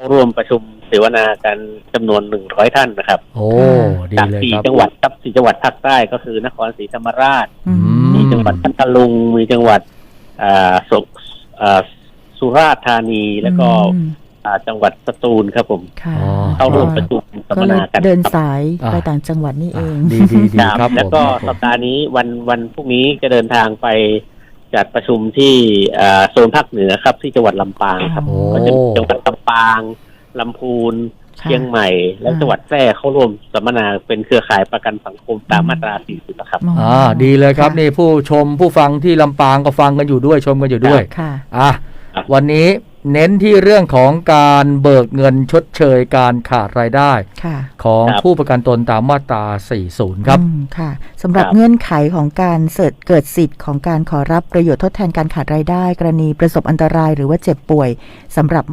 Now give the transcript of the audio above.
เข้าร่วมประชุมเสวนากันจำนวน100ท่านนะครับโอ้ดีจากเลยครับ 4จังหวัดครับ4จังหวัดภาคใต้ก็คือนครศรีธรรมราชมีจังหวัดพัทลุงมีจังหวัดสุราษฎร์ธานีแล้วก็จังหวัดสตูลครับผมเข้าร่วมประชุมสัมมนากันเดินสายไปต่างจังหวัดนี่เองดีครับแล้วก็สัปดาห์นี้วันพรุ่งนี้จะเดินทางไปจัดประชุมที่โซนภาคเหนือครับที่จังหวัดลำปางครับก็จะจังหวัดลำปางลำพูนเชียงใหม่และจังหวัดแพร่เข้าร่วมสัมมนาเป็นเครือข่ายประกันสังคมตามมาตรา40นะครับดีเลยครับนี่ผู้ชมผู้ฟังที่ลำปางก็ฟังกันอยู่ด้วยชมกันอยู่ด้วยวันนี้เน้นที่เรื่องของการเบิกเงินชดเชยการขาดรายได้ของผู้ประกันตนตามมาตรา40ครับค่ะสำหรับเงื่อนไขของการเกิดสิทธิ์ของการขอรับประโยชน์ทดแทนการขาดรายได้กรณีประสบอันตรายหรือว่าเจ็บป่วยสำหรับ